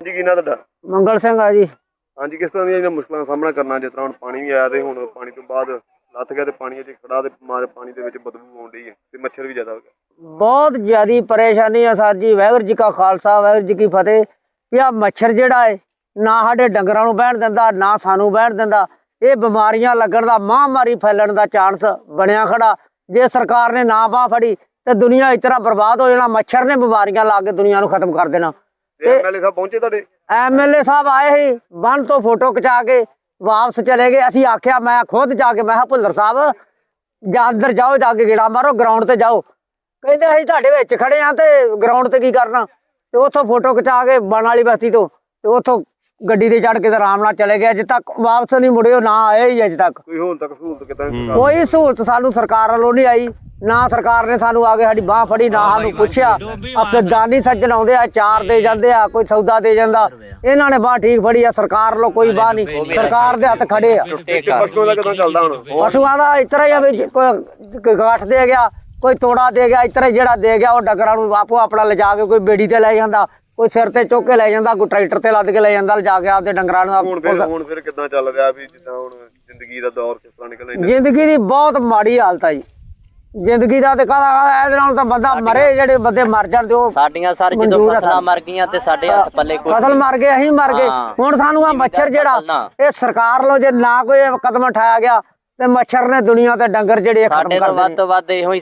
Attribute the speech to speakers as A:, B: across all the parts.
A: ਹਾਂਜੀ ਕੀ ਨਾਂ ਤੁਹਾਡਾ?
B: ਮੰਗਲ ਸਿੰਘ ਆ ਜੀ।
A: ਹਾਂਜੀ ਕਿਸ ਤਰ੍ਹਾਂ ਦੀਆਂ ਮੁਸ਼ਕਲਾਂ ਦਾ ਸਾਹਮਣਾ ਕਰਨਾ ਜਿਸ ਤਰ੍ਹਾਂ ਹੁਣ ਪਾਣੀ ਵੀ ਆਇਆ ਤੇ ਹੁਣ ਪਾਣੀ ਤੋਂ ਬਾਅਦ ਲੱਥ ਗਿਆ ਤੇ ਪਾਣੀ ਅਜੇ ਖੜਾ ਤੇ ਮਾਰੇ ਪਾਣੀ ਦੇ ਵਿੱਚ ਬਦਬੂ ਆਉਣ ਡਈ ਹੈ ਤੇ ਮੱਛਰ ਵੀ ਜ਼ਿਆਦਾ ਹੋ ਗਿਆ।
B: ਬਹੁਤ ਜ਼ਿਆਦੀ ਪਰੇਸ਼ਾਨੀ ਆ ਸਰ ਜੀ। ਵਾਹਿਗੁਰੂ ਜੀ ਕਾ ਖਾਲਸਾ ਵਾਹਿਗੁਰੂ ਜੀ ਕੀ ਫਤਿਹ। ਵੀ ਆ ਮੱਛਰ ਜਿਹੜਾ ਹੈ ਨਾ ਸਾਡੇ ਡੰਗਰਾਂ ਨੂੰ ਬਹਿਣ ਦਿੰਦਾ ਨਾ ਸਾਨੂੰ ਬਹਿਣ ਦਿੰਦਾ। ਇਹ ਬਿਮਾਰੀਆਂ ਲੱਗਣ ਦਾ ਮਹਾਂਮਾਰੀ ਫੈਲਣ ਦਾ ਚਾਂਸ ਬਣਿਆ ਖੜਾ। ਜੇ ਸਰਕਾਰ ਨੇ ਨਾ ਬਾਹ ਫੜੀ ਤੇ ਦੁਨੀਆ ਇਸ ਤਰ੍ਹਾਂ ਬਰਬਾਦ ਹੋ ਜਾਣਾ। ਮੱਛਰ ਨੇ ਬਿਮਾਰੀਆਂ ਲਾ ਕੇ ਦੁਨੀਆ ਨੂੰ ਖਤਮ ਕਰ ਦੇਣਾ।
A: ਐਮਐਲਏ ਸਾਹਿਬ ਪਹੁੰਚੇ ਤੁਹਾਡੇ?
B: ਐਮਐਲਏ ਸਾਹਿਬ ਆਏ ਸੀ, ਬੰਨ ਤੋਂ ਫੋਟੋ ਖਿਚਾ ਕੇ ਵਾਪਸ ਚਲੇ ਗਏ। ਅਸੀਂ ਆਖਿਆ, ਮੈਂ ਖੁਦ ਜਾ ਕੇ ਮੈਂ ਕਿਹਾ ਭੁੱਲਰ ਸਾਹਿਬ ਜਾਂ ਅੰਦਰ ਜਾਓ, ਜਾ ਕੇ ਗੇੜਾ ਮਾਰੋ, ਗਰਾਊਂਡ ਤੇ ਜਾਓ। ਕਹਿੰਦੇ ਅਸੀਂ ਤੁਹਾਡੇ ਵਿੱਚ ਖੜੇ ਆ ਤੇ ਗਰਾਊਂਡ ਤੇ ਕੀ ਕਰਨਾ। ਤੇ ਉੱਥੋਂ ਫੋਟੋ ਖਿਚਾ ਕੇ ਬਣ ਵਾਲੀ ਬਸਤੀ ਤੋਂ ਤੇ ਉੱਥੋਂ ਗੱਡੀ ਤੇ ਚੜ੍ਹ ਕੇ ਤੇ ਆਰਾਮ ਨਾਲ ਚਲੇ ਗਏ। ਅਜੇ ਤੱਕ ਵਾਪਸ ਨਹੀਂ ਮੁੜਿਓ, ਨਾ ਆਏ ਹੀ ਅਜੇ ਤੱਕ।
A: ਕੋਈ ਹੁਣ ਤੱਕ ਸਹੂਲਤ ਕਿੱਦਾਂ?
B: ਕੋਈ ਸਹੂਲਤ ਸਾਨੂੰ ਸਰਕਾਰ ਵੱਲੋਂ ਨਹੀਂ ਆਈ। ਨਾ ਸਰਕਾਰ ਨੇ ਸਾਨੂੰ ਆ ਕੇ ਸਾਡੀ ਬਾਹ ਫੜੀ, ਨਾ ਸਾਨੂੰ ਪੁੱਛਿਆ। ਆਪਣੇ ਦਾਨੀ ਸੱਜਣ ਆਉਂਦੇ ਆ, ਚਾਰ ਦੇ ਜਾਂਦੇ ਆ, ਕੋਈ ਸੌਦਾ ਦੇ ਜਾਂਦਾ। ਇਹਨਾਂ ਨੇ ਬਾਹ ਠੀਕ ਫੜੀ ਆ, ਸਰਕਾਰ ਵੱਲੋਂ ਕੋਈ ਬਾਹ ਨਹੀਂ। ਸਰਕਾਰ ਦੇ ਹੱਥ ਖੜੇ ਆ।
A: ਪਸ਼ੂਆਂ ਦਾ ਕਿੱਦਾਂ ਚੱਲਦਾ ਹੁਣ?
B: ਪਸ਼ੂਆਂ ਦਾ ਇਸ ਤਰ੍ਹਾਂ ਹੀ ਆ ਵੀ ਕੋਈ ਗੱਠ ਦੇ ਗਿਆ, ਕੋਈ ਤੋੜਾ ਦੇ ਗਿਆ। ਇਸ ਤਰ੍ਹਾਂ ਜਿਹੜਾ ਦੇ ਗਿਆ ਉਹ ਡੰਗਰਾਂ ਨੂੰ ਆਪੋ ਆਪਣਾ ਲਿਜਾ ਕੇ ਕੋਈ ਬੇੜੀ ਤੇ ਲੈ ਜਾਂਦਾ, ਕੋਈ ਸਿਰ ਤੇ ਚੁੱਕ ਕੇ ਲੈ ਜਾਂਦਾ, ਕੋਈ ਟਰੈਕਟਰ ਤੇ ਲੱਦ ਕੇ ਲੈ ਜਾਂਦਾ, ਲਿਜਾ ਕੇ ਆਪਦੇ ਡੰਗਰਾਂ ਨੂੰ।
A: ਹੁਣ ਫਿਰ ਕਿੱਦਾਂ ਚੱਲ ਰਿਹਾ ਵੀ ਜਿੱਦਾਂ ਹੁਣ ਜ਼ਿੰਦਗੀ ਦਾ ਦੌਰ ਕਿਸ ਤਰ੍ਹਾਂ ਨਿਕਲ ਰਿਹਾ?
B: ਜ਼ਿੰਦਗੀ ਦੀ ਬਹੁਤ ਮਾੜੀ ਹਾਲਤ ਆ ਜੀ ਜ਼ਿੰਦਗੀ ਦਾ। ਤੇ ਕਹਦਾ ਇਹਦੇ ਨਾਲ ਤਾਂ ਬੰਦਾ ਮਰੇ, ਜਿਹੜੇ ਬੰਦੇ ਮਰ ਜਾਣ ਤੇ ਉਹ
C: ਸਾਡੀਆਂ ਸਰ ਜਦੋਂ ਫਸਲਾਂ ਮਰ ਗਈਆਂ ਤੇ ਸਾਡੇ ਹੱਥ ਪੱਲੇ ਕੋਈ
B: ਫਸਲ ਮਰ ਗਏ, ਅਸੀਂ ਮਰ ਗਏ। ਹੁਣ ਸਾਨੂੰ ਆ ਮੱਛਰ ਜਿਹੜਾ ਇਹ ਸਰਕਾਰ ਵੱਲੋਂ ਜੇ ਨਾ ਕੋਈ ਕਦਮ ਉਠਾਇਆ ਗਿਆ ਤੇ ਮੱਛਰ ਨੇ ਦੁਨੀਆ ਤੇ ਡੰਗਰ ਜਿਹੜੇ ਖਤਮ ਕਰ
C: ਵੱਧ ਤੋਂ ਵੱਧ ਇਹੋ ਹੀ।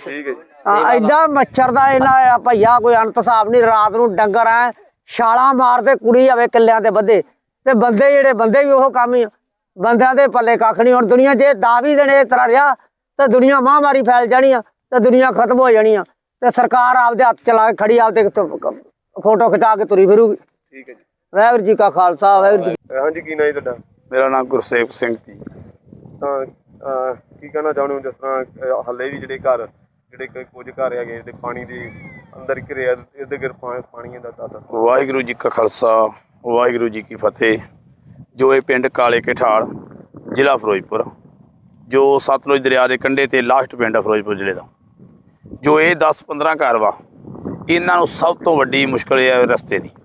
B: ਐਡਾ ਮੱਛਰ ਦਾ ਇਹਨਾਂ ਭਈਆ ਕੋਈ ਅੰਤ ਹਿਸਾਬ ਨਹੀਂ। ਰਾਤ ਨੂੰ ਡੰਗਰ ਐ ਛਾਲਾਂ ਮਾਰਦੇ, ਕੁੜੀ ਆਵੇ ਕਿੱਲਿਆਂ ਤੇ ਬੱਧੇ ਤੇ ਬੰਦੇ ਜਿਹੜੇ ਬੰਦੇ ਵੀ ਉਹ ਕੰਮ ਹੀ। ਬੰਦਿਆਂ ਦੇ ਪੱਲੇ ਕੱਖ ਨਹੀਂ। ਹੁਣ ਦੁਨੀਆ ਜੇ 10-20 ਦਿਨ ਇਸ ਤਰ੍ਹਾਂ ਰਿਹਾ ਤੇ ਦੁਨੀਆ ਮਹਾਂਮਾਰੀ ਫੈਲ ਜਾਣੀ ਆ ਤੇ ਦੁਨੀਆ ਖਤਮ ਹੋ ਜਾਣੀ ਆ। ਤੇ ਸਰਕਾਰ ਆਪਦੇ ਹੱਥ ਚਲਾ ਕੇ ਖੜੀ, ਆਪਦੇ ਫੋਟੋ ਖਿਚਾ ਕੇ ਤੁਰੀ ਫਿਰੂਗੀ।
A: ਠੀਕ ਹੈ ਜੀ।
B: ਵਾਹਿਗੁਰੂ ਜੀ ਕਾ ਖਾਲਸਾ ਵਾਹਿਗੁਰੂ ਜੀ।
A: ਹਾਂਜੀ ਕੀ ਨਾਂ ਜੀ ਤੁਹਾਡਾ?
D: ਮੇਰਾ ਨਾਮ ਗੁਰਸੇਵਕ ਸਿੰਘ ਜੀ।
A: ਤਾਂ ਕੀ ਕਹਿਣਾ ਚਾਹੁੰਦੇ ਹੋ ਜਿਸ ਤਰ੍ਹਾਂ ਹੱਲੇ ਵੀ ਜਿਹੜੇ ਘਰ ਜਿਹੜੇ ਕੁਝ ਘਰ ਹੈਗੇ ਜਿਹੜੇ ਪਾਣੀ ਦੇ ਅੰਦਰ ਘਿਰੇ ਆ, ਇਹਦੇ ਗਿਰ ਪਾਣੀ ਦਾ ਦਾਦਾ?
D: ਵਾਹਿਗੁਰੂ ਜੀ ਕਾ ਖਾਲਸਾ ਵਾਹਿਗੁਰੂ ਜੀ ਕੀ ਫਤਿਹ। ਜੋ ਇਹ ਪਿੰਡ ਕਾਲੇ ਕਠਾਲ ਜ਼ਿਲ੍ਹਾ ਫਿਰੋਜ਼ਪੁਰ, ਜੋ ਸਤਲੁਜ ਦਰਿਆ ਦੇ ਕੰਢੇ ਤੇ ਲਾਸਟ ਪਿੰਡ ਆ ਫਿਰੋਜ਼ਪੁਰ ਜ਼ਿਲ੍ਹੇ ਦਾ, ਜੋ ਇਹ 10-15 ਘਰ ਵਾ, ਇਹਨਾਂ ਨੂੰ ਸਭ ਤੋਂ ਵੱਡੀ ਮੁਸ਼ਕਲ ਇਹ ਹੈ ਰਸਤੇ ਦੀ।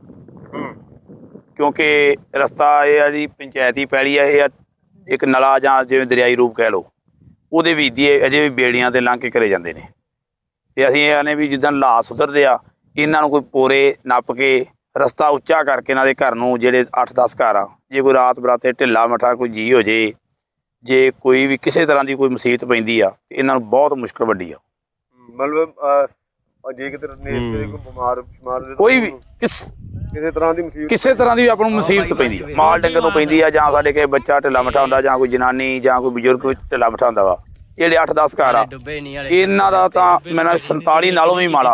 D: ਕਿਉਂਕਿ ਰਸਤਾ ਇਹ ਆ ਜੀ ਪੰਚਾਇਤੀ ਪੈਲੀ ਆ, ਇਹ ਇੱਕ ਨਲਾ ਜਾਂ ਜਿਵੇਂ ਦਰਿਆਈ ਰੂਪ ਕਹਿ ਲਓ, ਉਹਦੇ ਵਿੱਚ ਦੀ ਅਜੇ ਵੀ ਬੇੜੀਆਂ ਤੇ ਲੰਘ ਕੇ ਘਰੇ ਜਾਂਦੇ ਨੇ। ਤੇ ਅਸੀਂ ਇਹ ਆਨੇ ਵੀ ਜਿੱਦਾਂ ਲਾ ਸੁਧਰਦੇ ਆ, ਇਹਨਾਂ ਨੂੰ ਕੋਈ ਪੋਰੇ ਨੱਪ ਕੇ ਰਸਤਾ ਉੱਚਾ ਕਰਕੇ ਇਹਨਾਂ ਦੇ ਘਰ ਨੂੰ, ਜਿਹੜੇ 8-10 ਘਰ ਆ, ਜੇ ਕੋਈ ਰਾਤ ਬਰਾਤੇ ਢਿੱਲਾ ਮੱਠਾ ਕੋਈ ਜੀ ਹੋ ਜੇ, ਜੇ ਕੋਈ ਵੀ ਕਿਸੇ ਤਰ੍ਹਾਂ ਦੀ ਕੋਈ ਮੁਸੀਬਤ ਪੈਂਦੀ ਆ, ਤੇ ਇਹਨਾਂ ਨੂੰ ਬਹੁਤ ਮੁਸ਼ਕਲ ਵੱਡੀ ਆ।
A: ਮਤਲਬ ਜੇ ਕਿਤੇ ਕੋਈ ਬਿਮਾਰ
D: ਕੋਈ ਵੀ
A: ਕਿਸੇ ਤਰ੍ਹਾਂ ਦੀ ਮੁਸੀਬਤ,
D: ਕਿਸੇ ਤਰ੍ਹਾਂ ਦੀ ਆਪਾਂ ਨੂੰ ਮੁਸੀਬਤ ਪੈਂਦੀ ਆ, ਮਾਲ ਡੰਗਰ ਤੋਂ ਪੈਂਦੀ ਆ, ਜਾਂ ਸਾਡੇ ਕੇ ਬੱਚਾ ਢਿੱਲਾ ਮੱਠਾ ਹੁੰਦਾ, ਜਾਂ ਕੋਈ ਜਨਾਨੀ ਜਾਂ ਕੋਈ ਬਜ਼ੁਰਗ ਢਿੱਲਾ ਮੱਠਾ ਹੁੰਦਾ ਵਾ, ਜਿਹੜੇ 8-10 ਘਰ ਆ, ਇਹਨਾਂ ਦਾ ਤਾਂ ਮੈਨੂੰ 47 ਨਾਲੋਂ ਵੀ ਮਾੜਾ।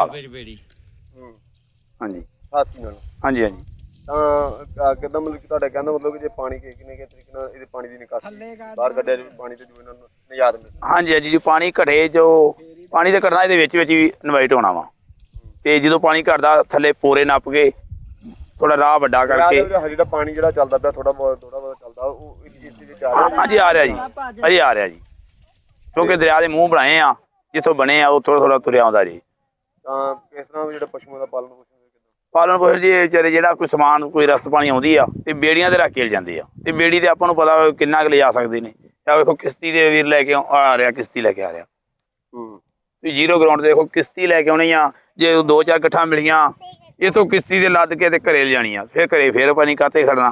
D: ਹਾਂਜੀ
A: ਹਾਥੀ ਨਾਲ।
D: ਹਾਂਜੀ ਹਾਂਜੀ।
A: ਤਾਂ ਕਿੱਦਾਂ ਮਤਲਬ ਕਿ ਤੁਹਾਡਾ ਕਹਿੰਦਾ ਮਤਲਬ ਕਿ ਜੇ ਪਾਣੀ ਕਿੰਨੇ ਤਰੀਕੇ ਨਾਲ ਇਹਦੇ ਪਾਣੀ ਦੀ ਨਿਕਾਸੀ ਬਾਹਰ ਕੱਢਿਆ ਜਾਵੇ, ਪਾਣੀ ਤੇ ਜੋ ਇਹਨਾਂ ਨੂੰ ਨਿਜਾਤ ਮਿਲੇ?
D: ਹਾਂਜੀ ਹਾਂਜੀ। ਜੋ ਪਾਣੀ ਘਟੇ, ਜੋ ਪਾਣੀ ਤੇ ਘਟਣਾ ਇਹਦੇ ਵਿੱਚ ਵੀ ਇਨਵਾਈਟ ਹੋਣਾ ਵਾ। ਤੇ ਜਦੋਂ ਪਾਣੀ ਘਟਦਾ, ਥੱਲੇ ਪੋਰੇ ਨੱਪ ਕੇ ਥੋੜਾ ਰਾਹ ਵੱਡਾ ਕਰਕੇ
A: ਜਿਹੜਾ ਪਾਣੀ ਜਿਹੜਾ ਚੱਲਦਾ ਪਿਆ ਥੋੜਾ ਬਹੁਤ ਚੱਲਦਾ, ਉਹ
D: ਹਾਂਜੀ ਆ ਰਿਹਾ ਜੀ, ਅਜੇ ਆ ਰਿਹਾ ਜੀ। ਕਿਉਂਕਿ ਦਰਿਆ ਦੇ ਮੂੰਹ ਬਣਾਏ ਆ, ਜਿੱਥੋਂ ਬਣੇ ਆ ਉਹ ਥੋੜਾ ਤੁਰਿਆ ਆਉਂਦਾ ਜੀ।
A: ਤਾਂ ਕਿਸ ਤਰ੍ਹਾਂ ਜਿਹੜਾ ਪਸ਼ੂਆਂ ਦਾ ਪਾਲਣ
D: ਪੋਸ਼ਣ ਜੀ ਵਿਚਾਰੇ ਜਿਹੜਾ ਕੋਈ ਸਮਾਨ ਕੋਈ ਰਸਤ ਪਾਣੀ ਆਉਂਦੀ ਆ ਤੇ ਬੇੜੀਆਂ ਤੇ ਰੱਖ ਕੇ ਜਾਂਦੇ ਆ, ਤੇ ਬੇੜੀ ਤੇ ਆਪਾਂ ਨੂੰ ਪਤਾ ਕਿੰਨਾ ਕੁ ਲਿਜਾ ਸਕਦੇ ਨੇ। ਆ ਵੇਖੋ ਕਿਸ਼ਤੀ ਦੇ ਵੀਰ ਲੈ ਕੇ ਆ ਰਿਹਾ, ਕਿਸ਼ਤੀ ਲੈ ਕੇ ਆ ਰਿਹਾ। ਤੇ ਜ਼ੀਰੋ ਗਰਾਊਂਡ ਦੇਖੋ ਕਿਸ਼ਤੀ ਲੈ ਕੇ ਆਉਣੀ ਆ, ਜੇ 2-4 ਗੱਠਾਂ ਮਿਲੀਆਂ ਇੱਥੋਂ ਕਿਸ਼ਤੀ ਦੇ ਲੱਦ ਕੇ ਤੇ ਘਰੇ ਲਿਜਾਣੀ ਆ, ਫਿਰ ਘਰੇ ਫਿਰ ਪਾਣੀ ਕਾਤੇ ਖੜਨਾ।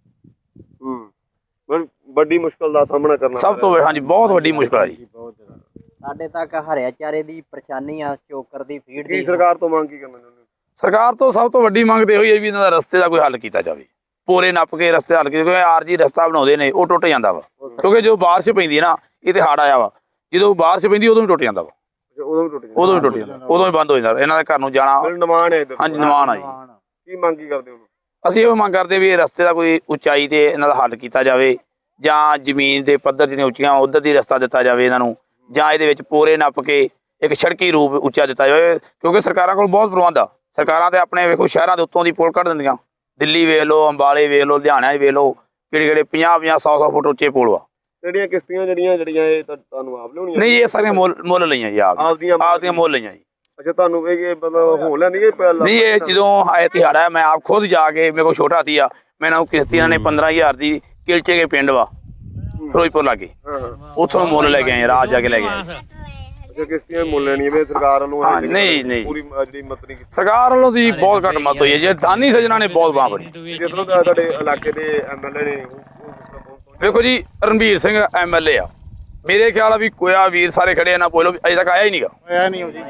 A: ਵੱਡੀ ਮੁਸ਼ਕਲ ਦਾ ਸਾਹਮਣਾ ਕਰਨਾ
D: ਸਭ ਤੋਂ ਹਾਂਜੀ, ਬਹੁਤ ਵੱਡੀ ਮੁਸ਼ਕਲ ਆ ਜੀ।
C: ਸਾਡੇ ਤੱਕ ਹਰਿਆ ਚਾਰੇ ਦੀ ਪਰੇਸ਼ਾਨੀ ਆ, ਚੋਕਰ ਦੀ ਫੀਡ ਦੀ।
A: ਸਰਕਾਰ ਤੋਂ ਮੰਗ ਕੀ ਕਰਨਾ ਚਾਹੁੰਦੇ?
D: ਸਰਕਾਰ ਤੋਂ ਸਭ ਤੋਂ ਵੱਡੀ ਮੰਗ ਤੇ ਹੋਈ ਹੈ ਵੀ ਇਹਨਾਂ ਦਾ ਰਸਤੇ ਦਾ ਕੋਈ ਹੱਲ ਕੀਤਾ ਜਾਵੇ, ਪੂਰੇ ਨੱਪ ਕੇ ਰਸਤੇ ਹੱਲ ਕੀਤੇ। ਕਿਉਂਕਿ ਆਰਜੀ ਰਸਤਾ ਬਣਾਉਂਦੇ ਨੇ ਉਹ ਟੁੱਟ ਜਾਂਦਾ ਵਾ, ਕਿਉਂਕਿ ਜੋ ਬਾਰਿਸ਼ ਪੈਂਦੀ ਹੈ ਨਾ, ਇਹ ਤੇ ਹੜ੍ਹ ਆਇਆ ਵਾ, ਜਦੋਂ ਬਾਰਿਸ਼ ਪੈਂਦੀ ਉਦੋਂ ਵੀ ਟੁੱਟ ਜਾਂਦਾ ਵਾ, ਉਦੋਂ ਵੀ ਟੁੱਟ ਜਾਂਦਾ, ਉਦੋਂ ਵੀ ਬੰਦ ਹੋ ਜਾਂਦਾ ਇਹਨਾਂ ਦੇ ਘਰ ਨੂੰ ਜਾਣਾ।
A: ਨਿਮਾਣ ਹੈ।
D: ਹਾਂਜੀ ਨਿਮਾਣ ਆ ਜੀ।
A: ਕੀ ਮੰਗ ਕੀ ਕਰਦੇ ਹੋ?
D: ਅਸੀਂ ਇਹ ਮੰਗ ਕਰਦੇ ਵੀ ਇਹ ਰਸਤੇ ਦਾ ਕੋਈ ਉਚਾਈ ਤੇ ਇਹਨਾਂ ਦਾ ਹੱਲ ਕੀਤਾ ਜਾਵੇ, ਜਾਂ ਜ਼ਮੀਨ ਦੇ ਪੱਧਰ ਜਿਹੜੀਆਂ ਉੱਚੀਆਂ ਉੱਧਰ ਦੀ ਰਸਤਾ ਦਿੱਤਾ ਜਾਵੇ ਇਹਨਾਂ ਨੂੰ, ਜਾਂ ਇਹਦੇ ਵਿੱਚ ਪੋਰੇ ਨੱਪ ਕੇ ਇੱਕ ਸੜਕੀ ਰੂਪ ਉੱਚਾ ਦਿੱਤਾ ਜਾਵੇ। ਕਿਉਂਕਿ ਸਰਕਾਰਾਂ ਕੋਲ ਬਹੁਤ ਪ੍ਰਬੰਧ ਆ। ਸਰਕਾਰਾਂ ਤੇ ਆਪਣੇ ਵੇਖੋ ਸ਼ਹਿਰਾਂ ਦੇ ਉੱਤੋਂ ਦੀ ਪੁਲ ਕੱਢ ਦਿੰਦੀਆਂ, ਦਿੱਲੀ ਵੇਖ ਲਓ, ਅੰਬਾਲੇ ਵੇਖ ਲਓ, ਲੁਧਿਆਣਾ ਵੇਖ ਲਓ, ਕਿਹੜੇ 50-50 100-100 ਫੁੱਟ ਉੱਚੇ ਪੁਲ ਵਾ।
A: ਜਿਹੜੀਆਂ ਕਿਸ਼ਤੀਆਂ ਜਿਹੜੀਆਂ ਇਹ ਤੁਹਾਨੂੰ ਆਪ ਲਿਆਉਣੀਆਂ?
D: ਨਹੀਂ, ਇਹ ਸਾਰੀਆਂ ਮੁੱਲ ਲਈਆਂ ਜੀ, ਆਪਦੀਆਂ ਮੁੱਲ ਲਈਆਂ ਜੀ।
A: ਅੱਛਾ ਤੁਹਾਨੂੰ ਇਹ ਮਤਲਬ ਹੋਣ ਲੈਂਦੀ ਕਿ ਪਹਿਲਾਂ
D: ਨਹੀਂ ਇਹ ਜਦੋਂ ਆਏ ਤਿਹਾੜਾ ਹੈ, ਮੈਂ ਆਪ ਖੁਦ ਜਾ ਕੇ, ਮੇਰੇ ਕੋਲ ਛੋਟਾ ਸੀ ਮੈਨੂੰ ਕਿਸ਼ਤੀਆਂ ਨੇ 15,000 ਦੀ ਕਿਲਚੇ ਕੇ ਪਿੰਡ ਵਾ ਫਿਰੋਜ਼ਪੁਰ ਲਾਗੇ, ਉੱਥੋਂ ਮੁੱਲ ਲੈ ਕੇ ਆਏ, ਰਾਤ ਜਾ ਕੇ ਲੈ ਕੇ ਆਏ।
A: ਅੱਛਾ ਕਿਸ਼ਤੀਆਂ ਮੁੱਲ ਲੈਣੀ ਹੈ ਸਰਕਾਰ ਵੱਲੋਂ
D: ਹਾਂ, ਨਹੀਂ
A: ਪੂਰੀ ਜਿਹੜੀ ਮਦਦ ਨਹੀਂ ਕੀਤੀ
D: ਸਰਕਾਰ ਵੱਲੋਂ ਦੀ ਬਹੁਤ ਘੱਟ ਮਦਦ ਹੋਈ ਹੈ, ਜੇ ਦਾਨੀ ਸੱਜਣਾ ਨੇ ਬਹੁਤ ਬਾਂਹ ਫੜੀ।
A: ਜਿੱਦੋਂ ਦਾ ਤੁਹਾਡੇ ਇਲਾਕੇ ਦੇ ਐਮਐਲਏ ਨੇ
D: ਵੇਖੋ ਜੀ ਰਣਬੀਰ ਸਿੰਘ ਐਮਐਲਏ ਆ, ਮੇਰੇ ਖਿਆਲ ਆ ਵੀ ਕੋਇਆ ਵੀਰ ਸਾਰੇ ਖੜੇ ਆ ਨਾ ਬੋਲੋ, ਅਜੇ ਤੱਕ ਆਇਆ ਹੀ ਨਹੀਂਗਾ, ਆਇਆ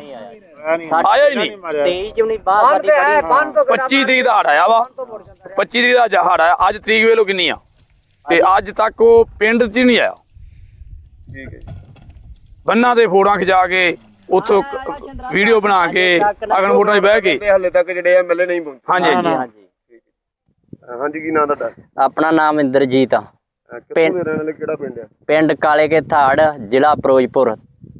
D: ਹੀ ਨਹੀਂ।
C: 23 ਚ ਨਹੀਂ ਬਾਹਰ ਸਾਡੀ ਬੜੀ
D: 25 ਤਰੀਕ ਦਾ ਹੜ ਆਇਆ ਵਾ, 25 ਤਰੀਕ ਦਾ ਹੜ ਆਇਆ, ਅੱਜ ਤਰੀਕ ਵੇਲੋ ਕਿੰਨੀ ਆ, ਤੇ ਅੱਜ ਤੱਕ ਉਹ ਪਿੰਡ 'ਚ ਹੀ ਨਹੀਂ ਆਇਆ।
A: ਠੀਕ ਹੈ ਜੀ।
D: ਬੰਨਾਂ ਦੇ ਫੋਟੋਆਂ ਖਿਚਾ ਕੇ ਉੱਥੋਂ ਵੀਡੀਓ ਬਣਾ ਕੇ ਅਗਨ ਫੋਟੋਆਂ 'ਚ ਬਹਿ ਕੇ,
A: ਤੇ ਹਾਲੇ ਤੱਕ ਜਿਹੜੇ ਐਮਐਲਏ ਨਹੀਂ ਪਹੁੰਚੇ।
D: ਹਾਂਜੀ ਹਾਂਜੀ
C: ਹਾਂਜੀ।
A: ਹਾਂਜੀ ਕੀ ਨਾਂ ਤੁਹਾਡਾ?
C: ਆਪਣਾ ਨਾਮ ਇੰਦਰਜੀਤ ਆ,
A: ਕਿੱਥੋਂ ਦੇ ਰਹਿਣ ਵਾਲੇ, ਕਿਹੜਾ ਪਿੰਡ ਆ?
C: ਪਿੰਡ ਕਾਲੇ ਕੇ ਥਾੜ, ਜ਼ਿਲ੍ਹਾ ਫਿਰੋਜ਼ਪੁਰ।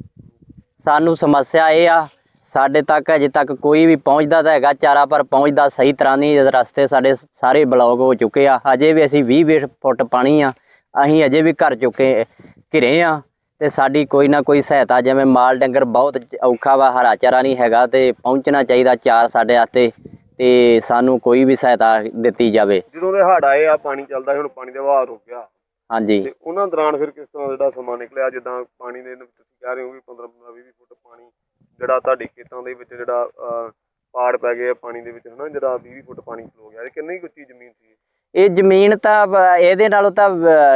C: ਸਾਨੂੰ ਸਮੱਸਿਆ ਇਹ ਆ, ਸਾਡੇ ਤੱਕ ਅਜੇ ਤੱਕ ਕੋਈ ਵੀ ਪਹੁੰਚਦਾ ਤਾਂ ਹੈਗਾ ਚਾਰਾ, ਪਰ ਪਹੁੰਚਦਾ ਸਹੀ ਤਰ੍ਹਾਂ ਨਹੀਂ। ਰਸਤੇ ਸਾਡੇ ਸਾਰੇ ਬਲੌਕ ਹੋ ਚੁੱਕੇ ਆ, ਅਜੇ ਵੀ ਅਸੀਂ 20 ਫੁੱਟ ਪਾਣੀ ਆ, ਅਸੀਂ ਅਜੇ ਵੀ ਘਰ ਚੁੱਕੇ ਘਿਰੇ ਆ, ਤੇ ਸਾਡੀ ਕੋਈ ਨਾ ਕੋਈ ਸਹਾਇਤਾ, ਜਿਵੇਂ ਮਾਲ ਡੰਗਰ ਬਹੁਤ ਔਖਾ ਵਾ, ਹਰਾ ਚਾਰਾ ਨਹੀਂ ਹੈਗਾ, ਤੇ ਪਹੁੰਚਣਾ ਚਾਹੀਦਾ ਚਾਰ ਸਾਡੇ ਵਾਸਤੇ, ਤੇ ਸਾਨੂੰ ਕੋਈ ਵੀ ਸਹਾਇਤਾ ਦਿੱਤੀ ਜਾਵੇ।
A: ਜਦੋਂ ਦੇ ਹੜ੍ਹ ਆਏ ਆ ਪਾਣੀ ਚੱਲਦਾ, ਹੁਣ ਪਾਣੀ ਦਾ ਵਹਾਅ ਰੁਕ ਗਿਆ,
C: ਹਾਂਜੀ।
A: ਤੇ ਉਹਨਾਂ ਦੌਰਾਨ ਫਿਰ ਕਿਸ ਤਰ੍ਹਾਂ ਜਿਹੜਾ ਸਮਾਂ ਨਿਕਲਿਆ? ਜਿੱਦਾਂ ਪਾਣੀ ਦੇ ਤੁਸੀਂ ਕਹਿ ਰਹੇ ਹੋ ਵੀ 15-20 ਫੁੱਟ ਪਾਣੀ ਜਿਹੜਾ ਤੁਹਾਡੇ ਖੇਤਾਂ ਦੇ ਵਿੱਚ ਜਿਹੜਾ ਪਾੜ ਪੈ ਗਏ ਪਾਣੀ ਦੇ ਵਿੱਚ, ਹਨਾ, ਜਿਹੜਾ 20 ਫੁੱਟ ਪਾਣੀ ਖਲੋ ਗਿਆ, ਇਹ ਕਿੰਨੀ ਕੁ ਉੱਚੀ ਜ਼ਮੀਨ ਸੀ?
C: ਇਹ ਜ਼ਮੀਨ ਤਾਂ ਇਹਦੇ ਨਾਲੋਂ ਤਾਂ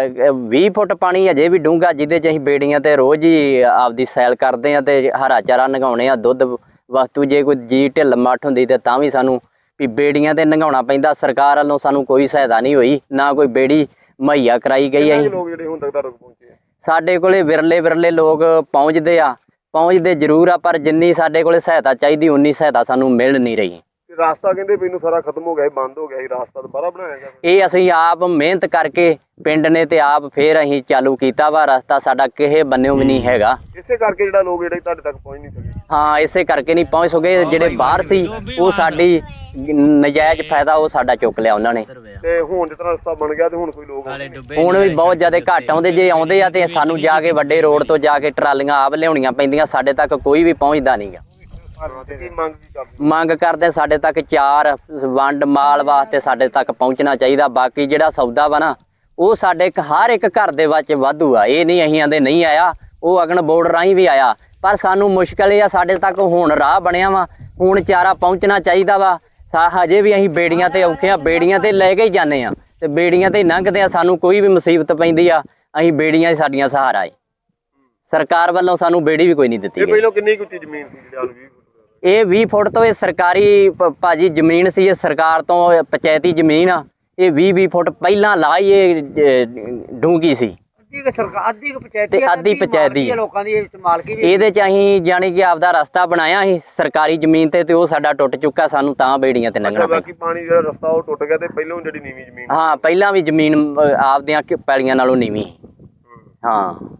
C: 20 ਫੁੱਟ ਪਾਣੀ ਅਜੇ ਵੀ ਡੂੰਘਾ, ਜਿਹਦੇ 'ਚ ਅਸੀਂ ਬੇੜੀਆਂ ਤੇ ਰੋਜ਼ ਹੀ ਆਪਦੀ ਸੈਲ ਕਰਦੇ ਆ ਤੇ ਹਰਾ ਚਾਰਾ ਨਗਾਉਣੇ ਆ, ਦੁੱਧ ਵਸਤੂ ਜੇ ਕੋਈ ਜੀ ਢਿੱਲ ਮੱਠ ਹੁੰਦੀ ਤੇ ਤਾਂ ਵੀ ਸਾਨੂੰ ਵੀ ਬੇੜੀਆਂ ਤੇ ਨਗਾਉਣਾ ਪੈਂਦਾ। ਸਰਕਾਰ ਵੱਲੋਂ ਸਾਨੂੰ ਕੋਈ ਸਹਾਇਤਾ ਨਹੀਂ ਹੋਈ, ਨਾ ਕੋਈ ਬੇੜੀ ਮੁਹੱਈਆ ਕਰਾਈ ਗਈ।
A: ਕਿੰਨੇ
C: ਅਸੀਂ
A: ਲੋਕ ਜਿਹੜੇ ਹੁਣ ਤੱਕ ਤੁਹਾਡੇ ਕੋਲ ਪਹੁੰਚੇ ਆ?
C: ਸਾਡੇ ਕੋਲੇ ਵਿਰਲੇ ਲੋਕ ਪਹੁੰਚਦੇ ਜ਼ਰੂਰ ਆ, ਪਰ ਜਿੰਨੀ ਸਾਡੇ ਕੋਲੇ ਸਹਾਇਤਾ ਚਾਹੀਦੀ ਉਨੀ ਸਹਾਇਤਾ ਸਾਨੂੰ ਮਿਲ ਨਹੀਂ ਰਹੀ।
A: ਤੇ ਰਾਸਤਾ ਕਹਿੰਦੇ ਵੀ ਇਹਨੂੰ ਸਾਰਾ ਖਤਮ ਹੋ ਗਿਆ ਸੀ, ਬੰਦ ਹੋ ਗਿਆ ਸੀ, ਰਾਸਤਾ ਦੁਬਾਰਾ ਬਣਾਇਆ ਗਿਆ?
C: ਇਹ ਅਸੀਂ ਆਪ ਮਿਹਨਤ ਕਰਕੇ ਪਿੰਡ ਨੇ ਤੇ ਆਪ ਫੇਰ ਅਸੀਂ ਚਾਲੂ ਕੀਤਾ ਵਾ, ਰਸਤਾ ਸਾਡਾ ਕਿਸੇ ਬੰਨਿਓ ਵੀ ਨਹੀਂ ਹੈਗਾ।
A: ਇਸੇ ਕਰਕੇ ਜਿਹੜਾ ਲੋਕ ਜਿਹੜੇ ਤੁਹਾਡੇ ਤੱਕ ਪਹੁੰਚ ਨਹੀਂ ਸਕੇ।
C: ਹਾਂ, ਇਸੇ ਕਰਕੇ ਨਹੀਂ ਪਹੁੰਚ ਸਕੇ। ਜਿਹੜੇ ਬਾਹਰ ਸੀ ਉਹ ਸਾਡੀ ਨਜਾਇਜ਼ ਫਾਇਦਾ ਉਹ ਸਾਡਾ ਚੁੱਕ ਲਿਆ ਉਹਨਾਂ ਨੇ।
A: ਤੇ ਹੁਣ ਜਿਸ ਤਰ੍ਹਾਂ ਰਸਤਾ ਬਣ ਗਿਆ ਤੇ ਹੁਣ ਕੋਈ ਲੋਕ
C: ਹੁਣ ਵੀ ਬਹੁਤ ਜ਼ਿਆਦਾ ਘੱਟ ਆਉਂਦੇ, ਜੇ ਆਉਂਦੇ ਆ ਤੇ ਸਾਨੂੰ ਜਾ ਕੇ ਵੱਡੇ ਰੋਡ ਤੋਂ ਜਾ ਕੇ ਟਰਾਲੀਆਂ ਆਪ ਲਿਆਉਣੀਆਂ ਪੈਂਦੀਆਂ, ਸਾਡੇ ਤੱਕ ਕੋਈ ਵੀ ਪਹੁੰਚਦਾ ਨਹੀਂਗਾ।
A: ਕੀ ਮੰਗ ਕੀ ਕਰਦੇ?
C: ਮੰਗ ਕਰਦੇ ਸਾਡੇ ਤੱਕ ਚਾਰ ਵੰਡ ਮਾਲ ਵਾਸਤੇ ਸਾਡੇ ਤੱਕ ਪਹੁੰਚਣਾ ਚਾਹੀਦਾ। ਬਾਕੀ ਜਿਹੜਾ ਸੌਦਾ ਵਾ ਨਾ ਉਹ ਸਾਡੇ ਹਰ ਇੱਕ ਘਰ ਦੇ ਵਿੱਚ ਵਾਧੂ ਆ, ਇਹ ਨਹੀਂ ਅਸੀਂ ਆਂਦੇ ਨਹੀਂ ਆਇਆ, ਉਹ ਅਗਨ ਬੋਰਡ ਰਾਹੀਂ ਵੀ ਆਇਆ, ਪਰ ਸਾਨੂੰ ਮੁਸ਼ਕਲ ਇਹ ਆ, ਸਾਡੇ ਤੱਕ ਹੁਣ ਰਾਹ ਬਣਿਆ ਵਾ, ਹੁਣ ਚਾਰਾ ਪਹੁੰਚਣਾ ਚਾਹੀਦਾ ਵਾ। ਹਜੇ ਵੀ ਅਸੀਂ ਬੇੜੀਆਂ ਤੇ ਔਖੇ ਆ, ਬੇੜੀਆਂ ਤੇ ਲੈ ਕੇ ਹੀ ਜਾਂਦੇ ਆ, ਤੇ ਬੇੜੀਆਂ ਤੇ ਲੰਘਦੇ ਆ, ਸਾਨੂੰ ਕੋਈ ਵੀ ਮੁਸੀਬਤ ਪੈਂਦੀ ਆ, ਅਸੀਂ ਬੇੜੀਆਂ ਸਾਡੀਆਂ ਸਹਾਰਾ ਏ। ਸਰਕਾਰ ਵੱਲੋਂ ਸਾਨੂੰ ਬੇੜੀ ਵੀ ਕੋਈ ਨਹੀਂ ਦਿੱਤੀ
A: ਇਹ
C: ਗਈ।
A: ਪਹਿਲਾਂ ਕਿੰਨੀ ਕੁ ਉੱਚੀ ਜ਼ਮੀਨ ਸੀ ਜਿਹੜਾ 20 ਫੁੱਟ?
C: ਇਹ 20 ਫੁੱਟ ਤੋਂ ਇਹ ਸਰਕਾਰੀ ਭਾਜੀ ਜ਼ਮੀਨ ਸੀ, ਇਹ ਸਰਕਾਰ ਤੋਂ ਪੰਚਾਇਤੀ ਜ਼ਮੀਨ ਆ। ਇਹ 20 ਫੁੱਟ ਪਹਿਲਾਂ ਲਾਈ ਇਹ ਡੂੰਗੀ ਸੀ,
B: ਅੱਧੀ
C: ਤੇ ਅੱਧੀ ਪੰਚਾਇਤੀ
B: ਲੋਕਾਂ ਦੀ ਮਾਲਕੀ ਵੀ।
C: ਇਹਦੇ 'ਚ ਅਸੀਂ ਜਾਣੀ ਕਿ ਆਪਦਾ ਰਸਤਾ ਬਣਾਇਆ ਸੀ ਸਰਕਾਰੀ ਜ਼ਮੀਨ ਤੇ ਉਹ ਸਾਡਾ ਟੁੱਟ ਚੁੱਕਾ, ਸਾਨੂੰ ਤਾਂ ਬੇੜੀਆਂ ਤੇ ਲੰਘਣਾ ਪਿਆ।
A: ਬਾਕੀ ਪਾਣੀ ਜਿਹੜਾ ਰਸਤਾ ਉਹ ਟੁੱਟ ਗਿਆ ਤੇ ਪਹਿਲਾਂ ਜਿਹੜੀ ਨੀਵੀਂ ਜ਼ਮੀਨ?
C: ਹਾਂ, ਪਹਿਲਾਂ ਵੀ ਜ਼ਮੀਨ ਆਪਦੀਆਂ ਪੈਲੀਆਂ ਨਾਲੋਂ ਨੀਵੀਂ। ਹਾਂ।